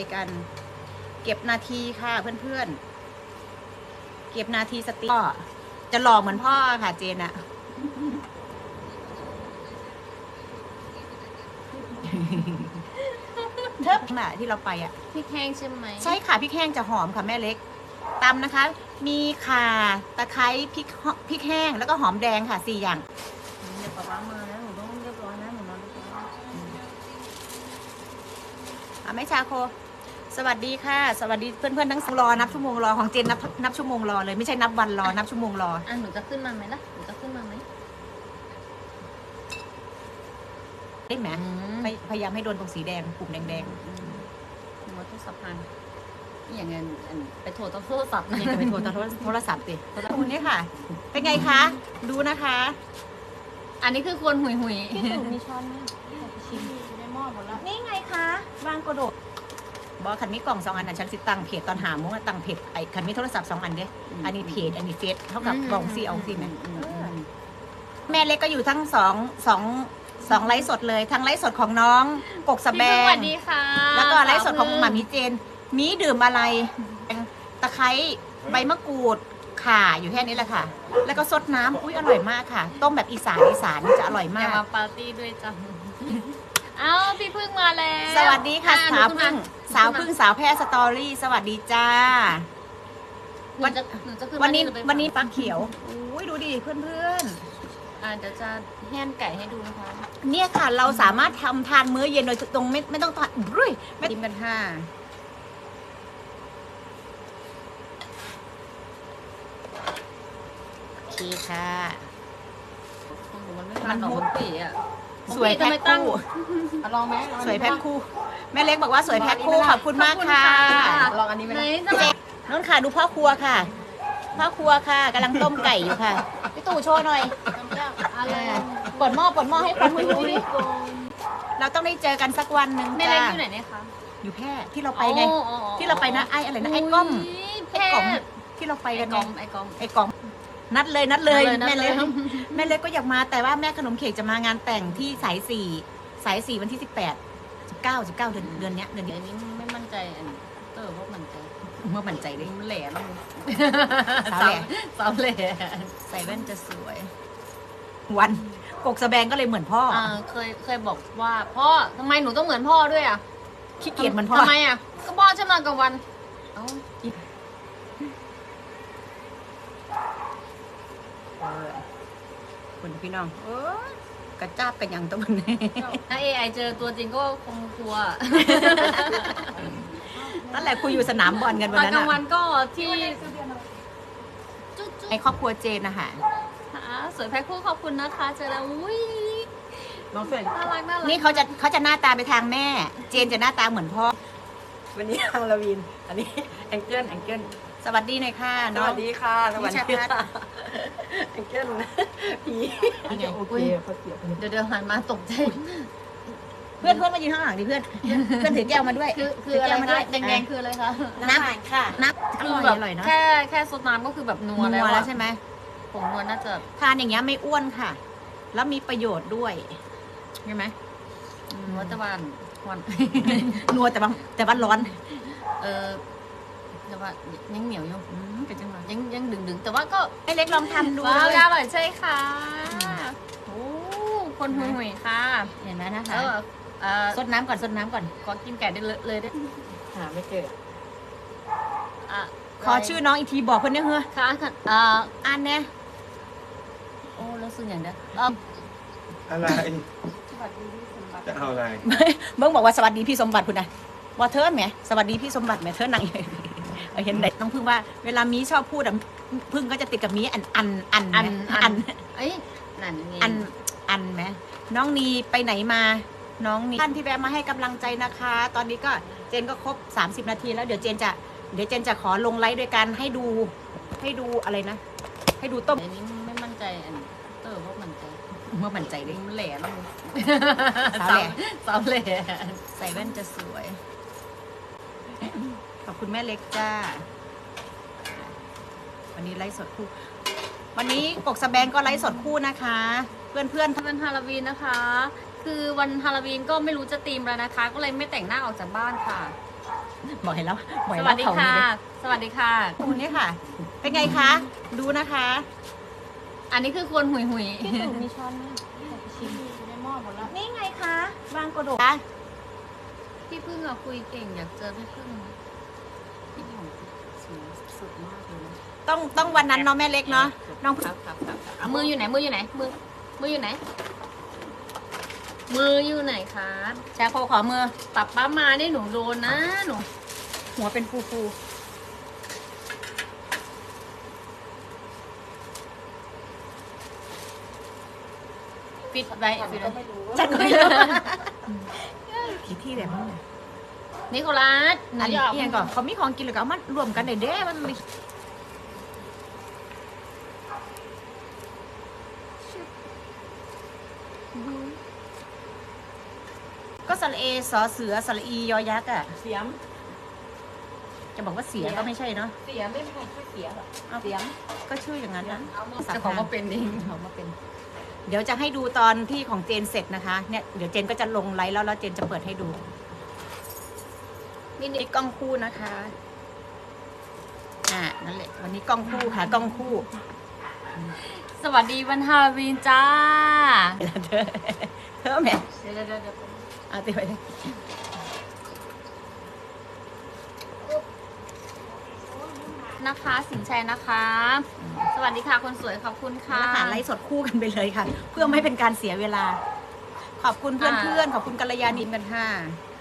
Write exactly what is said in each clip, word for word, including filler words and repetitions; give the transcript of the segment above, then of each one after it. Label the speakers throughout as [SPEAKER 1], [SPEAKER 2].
[SPEAKER 1] กัน เก็บนาทีค่ะเพื่อนๆเก็บนาทีสติก็จะหล่อเหมือนพ่อค่ะเจนอะเทิบน่ะที่เราไปอ่ะ
[SPEAKER 2] พริกแห้งใช่ไหม
[SPEAKER 1] ใช่ค่ะพริกแห้งจะหอมค่ะแม่เล็กตำนะคะ มีข่าตะไคร้พริกพริกแห้งแล้วก็หอมแดงค่ะสี่อย่าง
[SPEAKER 2] เดี๋ยวป๊าป๊ามานะหนูต้องเรียบร้อยนะหนูนอนเรียบร้อย
[SPEAKER 1] อ่ะแม่ชาโค สวัสดีค่ะ สวัสดีเพื่อนๆทั้งรอนับชั่วโมงรอของเจนนับนับชั่วโมงรอเลยไม่ใช่นับวันรอนับชั่วโมงรอ
[SPEAKER 2] อ่ะหนูจะขึ้นมาไหมล่ะหนูจะขึ้นมาไหม
[SPEAKER 1] ได้ไหม
[SPEAKER 2] อืม
[SPEAKER 1] พยพยายามให้โดนตรงสีแดงปุ่มแดง
[SPEAKER 2] หนูว่าทุกสัพพันนี่อย่างเงี้ยอันไปโทรต้องโทรศัพท์
[SPEAKER 1] ๆ
[SPEAKER 2] นะ
[SPEAKER 1] นี่จะไปโทรโทรศัพท์ติคุณนี่ค่ะ เป็นไงคะดูนะคะ
[SPEAKER 2] อันนี้คือควรหุยหุย
[SPEAKER 1] พี่ตู่มีช้อนไหมชิมในหม้อหมดแล้วนี่ไงคะวางกระโดดบอกคันมีกล่องสองอันนะฉันสิตั้งเพจตอนหาโมงตั้งเพจไอ้คันมีโทรศัพท์สองอันเด้อันนี้เพจอันนี้เฟซเท่ากับกล่องซีเอาซีไหมแม่เล็กก็อยู่ทั้งสองสองสองไลฟ์สดเลยทั้งไลฟ์สดของน้องกกสแบ
[SPEAKER 2] พี่
[SPEAKER 1] ง
[SPEAKER 2] สวัสดีค่ะ
[SPEAKER 1] แล้วก็ไลฟ์สดของหมามีเจน มีดื่มอะไรตะไคร้ใบมะกรูดข่าอยู่แค่นี้แหละค่ะ แล้วก็ซดน้ำอุ้ยอร่อยมากค่ะ ต้มแบบอีสานอีสานจะอร่อย
[SPEAKER 2] อ
[SPEAKER 1] มา
[SPEAKER 2] ย่าก มาปาร์ตี้ด้วยจ้ะเอ้าพี่พึ่งมาแล้ว
[SPEAKER 1] สวัสดีค่ะ
[SPEAKER 2] อ่
[SPEAKER 1] สาว
[SPEAKER 2] หนู
[SPEAKER 1] พึ่ง
[SPEAKER 2] ขึ้นม
[SPEAKER 1] สาวพึ่งสาวแพร่สตอรี่สวัสดีจ้า
[SPEAKER 2] หนูจะหนูจะขึ้น
[SPEAKER 1] วันนี้
[SPEAKER 2] มาหรือไป
[SPEAKER 1] วันนี้ปลาเขียวอุ้ยดูดิเพื่อนเพื่อน
[SPEAKER 2] อ่าเดี๋ยวจะแห้งไก่ให้ดูนะคะ
[SPEAKER 1] ๆเนี่ยค่ะเราสามารถทำทานมื้อเย็นโดยตรงไม่ไม่ต้องทานรุ่ยไม่ติมกันค่ะโอเคค่ะ
[SPEAKER 2] ของหนูมันไม่ทานหรอกมันปีอ่ะ
[SPEAKER 1] สวยแพ็คคู่
[SPEAKER 3] อ่ะลองไหมลอง
[SPEAKER 1] สวยแพ็คคู่แม่เล็กบอกว่าสวยแพ็คคู่ขอบคุณมากค่ะ
[SPEAKER 3] ลองอันนี้ไหม
[SPEAKER 2] ไหน
[SPEAKER 3] นะ
[SPEAKER 2] จะมา
[SPEAKER 1] น้องค่ะดูพ่อครัวค่ะพ่อครัวค่ะกำลังต้มไก่อยู่ค่ะพี่ตู่โชว์หน่อย
[SPEAKER 2] อะไร
[SPEAKER 1] เปิดหม้อเปิดหม้อให้คนดูดิเราต้องได้เจอกันสักวันหนึ่ง
[SPEAKER 2] แม่
[SPEAKER 1] จ้า
[SPEAKER 2] เล็กอยู่ไหนเนี่ยคะ
[SPEAKER 1] อยู่แพร่ที่เราไปไง
[SPEAKER 2] อ๋ออ๋ออ๋อ
[SPEAKER 1] ที่เราไปนะไอ้อะไรนะไอ้ก้อม
[SPEAKER 2] แพร่
[SPEAKER 1] ไอ้กล่องที่เราไป
[SPEAKER 2] ไอ้
[SPEAKER 1] กัน
[SPEAKER 2] ก
[SPEAKER 1] ไง
[SPEAKER 2] อมไอ้กอม
[SPEAKER 1] ไอ้กล่องนัดเลยนัดเลย
[SPEAKER 2] นัดเลย
[SPEAKER 1] แม่เล็ก
[SPEAKER 2] นัดเลย
[SPEAKER 1] แม่เล็กก็อยากมาแต่ว่าแม่ขนมเค้กจะมางานแต่งที่สายสี่สายสี่วันที่สิบแปดสิบเก้าสิบเก้าเดือนเดือนเนี้ยเดือน
[SPEAKER 2] เดี๋
[SPEAKER 1] นี้
[SPEAKER 2] ยวนี้ไม่มั่นใจอันเตอร์ว่ามั่นใจ
[SPEAKER 1] เมื่อมั่นใจเลย
[SPEAKER 2] มันแหล่แล้ว
[SPEAKER 1] สาวแหล่
[SPEAKER 2] สาวแหล่
[SPEAKER 1] ใส่แว่นจะสวย วันกกสะแบงก็เลยเหมือนพ่อ
[SPEAKER 2] อ่าเคยเคยบอกว่าพ่อทำไมหนูต้องเหมือนพ่อด้วยอ่ะ
[SPEAKER 1] ขี้เกียจเหมือนพ่อ
[SPEAKER 2] ทำไมอ่ะก็พ่อฉันนอนกลางวันเอ้า
[SPEAKER 1] เออคุณพี่น้องเออกระจ้าบกันยังตัวนี้
[SPEAKER 2] ถ้าเอไอเจอตัวจริงก็คงกลัว
[SPEAKER 1] นั่นแหละคุยอยู่สนามบอลกัน
[SPEAKER 2] ต
[SPEAKER 1] วั
[SPEAKER 2] อน น
[SPEAKER 1] นั้น
[SPEAKER 2] กลางวั
[SPEAKER 1] อะ
[SPEAKER 2] นก็ที่จุ๊จุ๊
[SPEAKER 1] ในครอบครัวเจนนะคะ
[SPEAKER 2] สวยแพ็คคู่ขอบคุณนะคะเจอแล้วอุ้ย
[SPEAKER 3] น้องเฟรน
[SPEAKER 2] น่ารักน่ารัก
[SPEAKER 1] นี่เขาจะเขาจะหน้าตาไปทางแม่ เจนจะหน้าตาเหมือนพ่อ
[SPEAKER 3] วันนี้ทางลาวิน อันนี้แองเจิลแองเจิล
[SPEAKER 1] สวัสดีหน่อยค่ะ
[SPEAKER 3] ส
[SPEAKER 1] น้อง
[SPEAKER 3] วัสดีค่ะสวัสดี
[SPEAKER 1] พี่ชัด
[SPEAKER 3] ค่ะแองเจิลผี
[SPEAKER 1] นี่ไง
[SPEAKER 3] โอเคเขาเสียบ
[SPEAKER 2] เดี๋ยวเดี๋ยวหันมาตกใจ
[SPEAKER 1] เพื่อนเพื่อนมายืนข้างหลังดิเพื่อน เพื่อนถือแก้วมาด้วย
[SPEAKER 2] คือคือ
[SPEAKER 1] ถื
[SPEAKER 2] อะไร
[SPEAKER 1] แก้วมาด้
[SPEAKER 2] คะ
[SPEAKER 1] วย
[SPEAKER 2] แดงๆคืออะไรคะ
[SPEAKER 1] น้ำค่ะน้ำอ
[SPEAKER 2] คือ
[SPEAKER 1] ร่อย
[SPEAKER 2] แบบ
[SPEAKER 1] อร่อยเนาะ
[SPEAKER 2] แค่แค่ซดน้ำก็คือแบบนัว
[SPEAKER 1] นั
[SPEAKER 2] แล้ว
[SPEAKER 1] ว
[SPEAKER 2] อะ
[SPEAKER 1] แล้วใช่ไหม
[SPEAKER 2] ผงนัวน่าจะ
[SPEAKER 1] ทานอย่างเงี้ยไม่อ้วนค่ะ แล้วมีประโยชน์ด้วยใช่ไหม
[SPEAKER 2] นัวแต่ว่าวัน
[SPEAKER 1] นัวแต่ว่าแต่ว่าร้อน
[SPEAKER 2] เออแต่ว่ายังเหนียวอยู่
[SPEAKER 1] อืมเป็นจังหวะ
[SPEAKER 2] ยังยังดึงดึงๆแต่ว่าก็
[SPEAKER 1] ไอ้เล็กลองทำดู
[SPEAKER 2] ว้าว
[SPEAKER 1] เลย
[SPEAKER 2] อร่อยใช่ค่ะโอ้คนหุยหุยๆค่ะ
[SPEAKER 1] เห็นไหมนะคะ
[SPEAKER 2] เออเออ
[SPEAKER 1] ซดน้ำก่อนซดน้ำก่อน
[SPEAKER 2] ขอกินไก่ได้เลยเลยได้
[SPEAKER 3] หาไม่เจอ
[SPEAKER 2] อ่ะ
[SPEAKER 1] ขอชื่อน้องอีกทีบอกเพื่อนเนี่ยเฮ้อ
[SPEAKER 2] ค่ะค่ะเอ่อ
[SPEAKER 1] อ่านแน่
[SPEAKER 2] โอ้แล้วซึ่งอย่างเดียวเออ
[SPEAKER 4] อะไร จะเอาอะไร
[SPEAKER 1] เบิ้งบอกว่าสวัสดีพี่สมบัติคุณนะว่าเธอไหมสวัสดีพี่สมบัติไหมเธอนั่งอยู่เออเห็นไหนต้องพึ่งว่าเวลามีชอบพูดอะพึ่งก็จะติดกับมีอันอันอัน
[SPEAKER 2] อัน
[SPEAKER 1] ไหม
[SPEAKER 2] อั
[SPEAKER 1] อั
[SPEAKER 2] น
[SPEAKER 1] น
[SPEAKER 2] เอ้ยนั่นไง
[SPEAKER 1] อันอันไหมน้องนีไปไหนมา น้องนีท่านที่แวะมาให้กำลังใจนะคะ ตอนนี้ก็เจนก็ครบสามสิบนาทีแล้วเดี๋ยวเจนจะเดี๋ยวเจนจะขอลงไลฟ์ด้วยกันให้ดูให้ดูอะไรนะ ให้ดูต้ม
[SPEAKER 2] เดี๋ยวนี้ไม่มั่นใจอันเตอร์ว่ามั่นใจ
[SPEAKER 1] เมื่อมั่นใจเลย
[SPEAKER 2] มันแหล่แล้ว
[SPEAKER 1] สาวแหล่
[SPEAKER 2] สาวแหล่
[SPEAKER 1] ใส่แว่นจะสวย ขอบคุณแม่เล็กจ้า วันนี้ไลฟ์สดคู่ วันนี้กกสะแบงก็ไลฟ์สดคู่นะคะ เพื่อนเพื่อน
[SPEAKER 2] ถ้าเป็นฮาโลวีนนะคะ คือวันฮาโลวีนก็ไม่รู้จะธีมแล้วนะคะ ก็เลยไม่แต่งหน้าออกจากบ้านค่ะ
[SPEAKER 1] บอกให้แล้วบอก
[SPEAKER 2] ส
[SPEAKER 1] ให้
[SPEAKER 2] วั
[SPEAKER 1] แล้
[SPEAKER 2] สดี
[SPEAKER 1] เขา
[SPEAKER 2] ค่ะ
[SPEAKER 1] นี่
[SPEAKER 2] สวัสดีค่ะ
[SPEAKER 1] คุณนี่ค่ะ เป็นไงคะ ดูนะคะ
[SPEAKER 2] อันนี้คือควรหุยหุย
[SPEAKER 1] พี่ตู่มีช้อนไหมชิมอยู่ในหม้อหมดแล้ว นี่ไงคะวางกระโดด
[SPEAKER 2] พี่พึ่งอะคุยเก่งอยากเจอพี่พึ่งพี่หอมสูงสุดมากเลยนะ
[SPEAKER 1] ต้องต้องวันนั้นเนาะแม่เล็กเนาะ น้อง
[SPEAKER 2] ครับครับครับครับมืออยู่ไหนมืออยู่ไหนมือมืออยู่ไหน มืออยู่ไหนครับ
[SPEAKER 1] แชร์โคขอมือ
[SPEAKER 2] ปับป้ามาได้หนูโดนนะหนู
[SPEAKER 1] หัวเป็นฟูฟู
[SPEAKER 2] ปิดไว้ปิดไว้
[SPEAKER 1] จัดไม่รู้กี่ที่แบบนี้
[SPEAKER 2] นิโคลัสหนู
[SPEAKER 1] อัน
[SPEAKER 2] จะ
[SPEAKER 1] นี้
[SPEAKER 2] ออก
[SPEAKER 1] เอียงก่อนเขามีของกินหรือเอามารวมกันได้เด้มันมีก็สระเอสอเสือสระอียอยักษ์อ่ะ
[SPEAKER 3] เสียม
[SPEAKER 1] จะบอกว่าเสียก็ไม่ใช่เนาะ
[SPEAKER 3] เสียมไม่มีใครช่วยเสียหรอก
[SPEAKER 1] เอา
[SPEAKER 3] เสียม
[SPEAKER 1] ก็ชื่ออย่างนั้นนะ
[SPEAKER 3] เอามา
[SPEAKER 2] เจะของมาเป็นเอง
[SPEAKER 1] เขามาเป็น เดี๋ยวจะให้ดูตอนที่ของเจนเสร็จนะคะ เนี่ยเดี๋ยวเจนก็จะลงไลฟ์แล้วแล้วเจนจะเปิดให้ดูนี่นี่กล้องคู่นะคะ อ่านั่นแหละ วันนี้กล้องคู่ค่ะกล้องคู่
[SPEAKER 2] สวัสดีวันฮาโลวีนจ้า
[SPEAKER 1] เธอเธอแม่
[SPEAKER 2] เดี๋ยวเดี๋ยวเดี๋ยวเดี๋ยว
[SPEAKER 1] เอาติดไปเลย
[SPEAKER 2] นะคะ สินชัยนะคะ สวัสดีค่ะคนสวยขอบคุณค่ะ
[SPEAKER 1] แล้วหาไลฟ์สดคู่กันไปเลยค่ะ เพื่อไม่เป็นการเสียเวลา ขอบคุณเพื่อนๆขอบคุณกัลยาณินกันค่ะ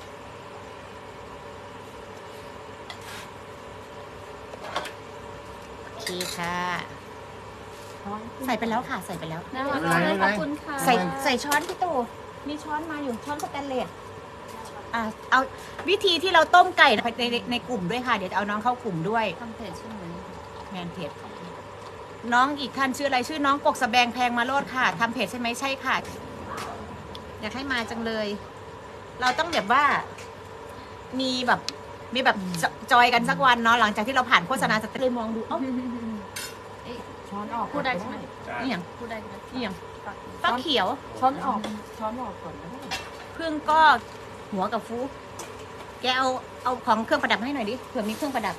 [SPEAKER 1] โอเคค่ะ ใส่ไปแล้วค่ะ ใส่ไปแล้ว
[SPEAKER 2] น่ารักมากเลยขอบคุณค่ะ
[SPEAKER 1] ใส่ใส่ช้อนพี่ตู่มีช้อนมาอยู่ช้อนสแตนเลสอ่าเอาวิธีที่เราต้มไก่ในในในกลุ่มด้วยค่ะ เดี๋ยวจะเอาน้องเข้ากลุ่มด้วย
[SPEAKER 2] ทำเพจใช่ไหม
[SPEAKER 1] แมนเพจน้องอีกท่านชื่ออะไรชื่อน้องกกสะแบงแพงมาโลดค่ะทำเพจใช่ไหมใช่ค่ะ อยากให้มาจังเลย เราต้องแบบว่า มีแบบมีแบบจจอยกันสักวันเนาะหลังจากที่เราผ่านโฆษณาสเตเลยมองดูเอ้า
[SPEAKER 3] ช้อนออก
[SPEAKER 2] พูดได้ใช่ไหม
[SPEAKER 1] นี่อย่าง
[SPEAKER 2] พูดได้ไหม
[SPEAKER 1] นี่อย่างฟักเขียว
[SPEAKER 3] ช้อนออกช้อนออกก่อนนะ
[SPEAKER 1] พึ่งก็หัวกับฟูแกเอาเอาของเครื่องประดับมาให้หน่อยดิเผื่อมีเครื่องประดับ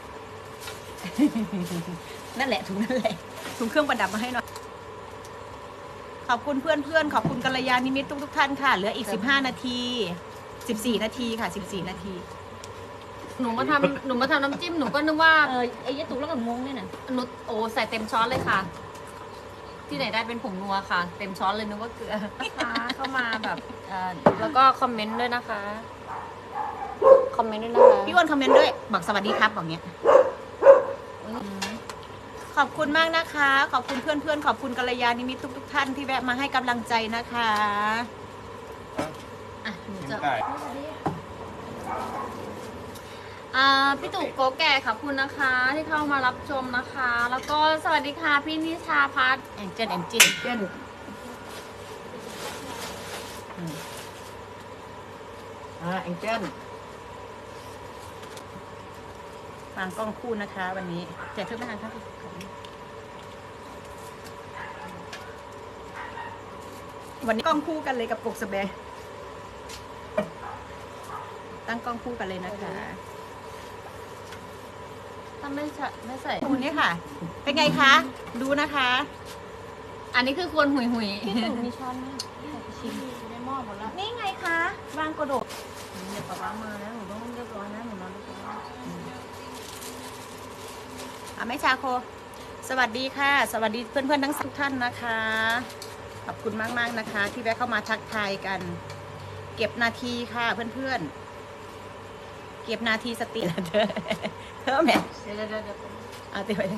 [SPEAKER 1] นั่นแหละถุงนั่นแหละถุงเครื่องประดับมาให้หน่อย ขอบคุณเพื่อนเพื่อนๆขอบคุณกัลยาณิมิตทุกทุกๆท่านค่ะ เหลืออีกสิบห้านาทีสิบสี่นาทีค่ะสิบสี่นาที
[SPEAKER 2] หนูมาทำหนูมาทำน้ำจิ้มหนูก็นึกว่า
[SPEAKER 1] เออไอ้ยะตุกแล้วก็งงเนี่ยนะ
[SPEAKER 2] หนูโอ้ใส่เต็มช้อนเลยค่ะ ที่ไหนได้เป็นผงนัวค่ะ เต็มช้อนเลยนึกว่าเกลือนะคะเข้ามาแบบเอ่อแล้วก็คอมเมนต์ด้วยนะคะคอมเมนต์ด้วยนะคะ
[SPEAKER 1] พี่อ้วนคอมเมนต์ด้วยบอกสวัสดีครับบอกเงี้ยขอบคุณมากนะคะ ขอบคุณเพื่อนเพื่อนๆขอบคุณกัลยาณิมิตทุกทุกๆท่านที่แวะมาให้กำลังใจนะคะ
[SPEAKER 2] อ่ะหนู
[SPEAKER 4] กิน
[SPEAKER 2] จะ
[SPEAKER 4] ไก่
[SPEAKER 2] อ่าพี่ตู่โกแก่ขอบคุณนะคะ ที่เข้ามารับชมนะคะ แล้วก็สวัสดีค่ะพี่นิชาพัฒน์
[SPEAKER 1] แองเจิลแองจิล
[SPEAKER 3] เจ้นอ่าแองเจิล
[SPEAKER 1] วางกล้องคู่นะคะ วันนี้แจกเครื่องประทานครับวันนี้กล้องคู่กันเลยกับกกสะแบงตั้งกล้องคู่กันเลยนะคะ
[SPEAKER 2] ถ้าไม่ใส่ไม่ใส่
[SPEAKER 1] คุณนี่ค่ะ เป็นไงคะ ดูนะคะ
[SPEAKER 2] อันนี้คือควรหุยหุย
[SPEAKER 1] พี่ตู่มีช้อนไหมชิมอยู่ในหม้อหมดแล้ว นี่ไงคะวางกระโดด
[SPEAKER 2] เดี๋ยวป๊าป๊ามาแล้วหนูต้องเรียบร้อยนะหนูนอนเรียบร้อย
[SPEAKER 1] อ่ะแม่ชาโค สวัสดีค่ะ สวัสดีเพื่อนๆทั้งสิบท่านนะคะ ขอบคุณมากๆนะคะ ที่แวะเข้ามาทักทายกัน เก็บนาทีค่ะเพื่อนๆ เก็บนาทีสตินะเธอ เธอแม่
[SPEAKER 2] เดี๋ยวเดี๋ยวเดี๋ยว
[SPEAKER 1] เอาติดไปเลย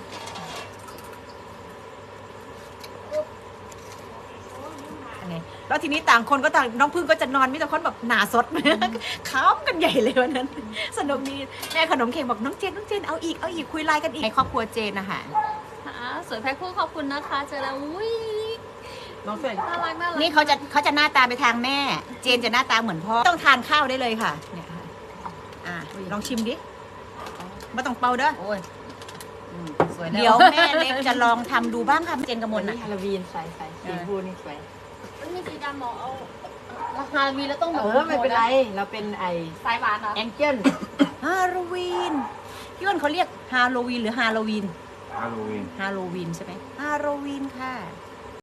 [SPEAKER 1] อันนี้แล้วทีนี้ต่างคนก็ต่างน้องพึ่งก็จะนอนมิแต่คนแบบหนาสด ค้ำกันใหญ่เลยวันนั้น สนุกดีแม่ขนมเค้กบอกน้องเจนน้องเจนเอาอีกเอาอีกคุยไลน์กันอีกในครอบครัวเจนนะคะ
[SPEAKER 2] อ่าสวยแพ็คคู่ขอบคุณนะคะเจอแล้วอุ้ย
[SPEAKER 3] น้องเฟรน
[SPEAKER 2] น่ารักน่ารัก
[SPEAKER 1] นี่เขาจะเขาจะหน้าตาไปทางแม่ เจนจะหน้าตาเหมือนพ่อต้องทานข้าวได้เลยค่ะเนี่ยค่ะอ่ะลองชิมดิไม่ต้องเป่าเด้อ
[SPEAKER 2] โอ้ยอืมสวยแล้ว
[SPEAKER 1] เดี๋ยวแม่เล็กจะลองทำดูบ้างค่ะเจนกระม
[SPEAKER 3] วั
[SPEAKER 1] ล
[SPEAKER 3] นนี้
[SPEAKER 1] น่ะ
[SPEAKER 3] ฮาโลวีนใส่ใส่สีฟูนี่สวย
[SPEAKER 2] มันมีสีดำหมอเอาราคามีแล้วต้องแบ
[SPEAKER 3] เอบ อไม่เป็นไรเราเป็นไอ
[SPEAKER 2] สายหวานเหรอ
[SPEAKER 3] แองเจิล
[SPEAKER 1] ฮาโลวีนพี่อ้วนเขาเรียกฮาโลวีนหรือฮาโลวีน
[SPEAKER 4] ฮาโลวีน
[SPEAKER 1] ฮาโลวีนใช่ไหมฮาโลวีนค่ะ